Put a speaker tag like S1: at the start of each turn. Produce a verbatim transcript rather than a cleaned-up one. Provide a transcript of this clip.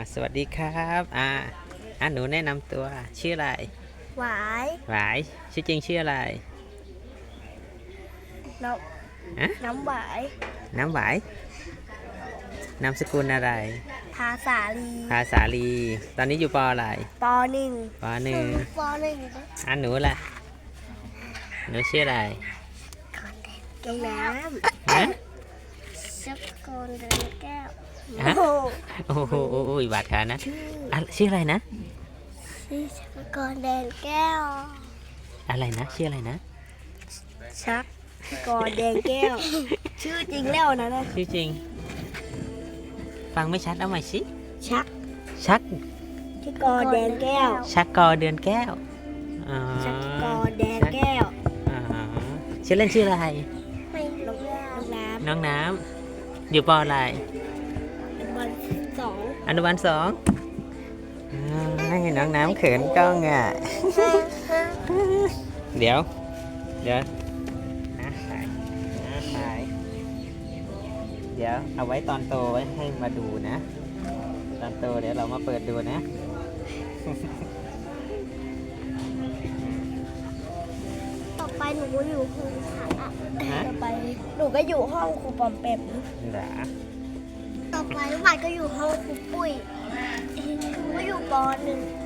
S1: สวัสดีครับอ่าอ่าหนูแนะนำตัวชื่ออะไร
S2: หวาย
S1: หวายชื่อจริงชื่ออะไร
S2: น้
S1: อะ
S2: ำน้ำหวาย
S1: น้ำหวายนามสกุลอะไร
S2: ภาษาลี
S1: ภาษาลี ตอนนี้อยู่ปออะไร
S2: ปหนึ่ง
S1: ปอหนึ่ง
S2: ปหนึ่ง
S1: อ่าหนูล่ะหนูชื่ออะไร
S2: แก้วน้
S1: ฮะ
S2: ำช็อกโกแลตแก้ว
S1: ฮะโอ้โหโอ้ยบาดขานะอ่ะชื่ออะไรนะ
S2: ชื่อช็อกโกแลตแก้ว
S1: อะไรนะชื่ออะไรนะ
S2: ชักกอแดงแก้ว ชื่อจริงแล้วนะนะ
S1: ชื่อจริง ฟังไม่ชัดเอาใหม่สิ
S2: ชัก
S1: ชัก
S2: ที่กอแดงแก้ว
S1: ชักกอเดือนแก้วอ๋อ
S2: ชักกอแดงแก้ว
S1: อ๋อชื่อเล่นชื่ออะไร
S2: ไม่ลงน้ำ
S1: น้องน้ำอยู่ปออะไร
S2: เป็นบอลสอง
S1: อนุบาลสองให้น้องน้ำเขินกล้องอ่ะ เดี๋ยว เดี๋ยวนะถ่ายนะถ่ายเดี๋ยวเอาไว้ตอนโตไว้ให้มาดูนะ ตอนโตเดี๋ยวเรามาเปิดดูนะ
S2: ต่อไปหนูก็อยู่ห้องขังอ่ะ
S1: ฮะ
S2: ต่อไปหนูก็อยู่ห้องครูปอมแปม
S1: เดี๋ยว
S2: ต่อไปลูกบาศก็อยู่ห้องครูปุ้ยหนูก็อยู่ปหนึ่ง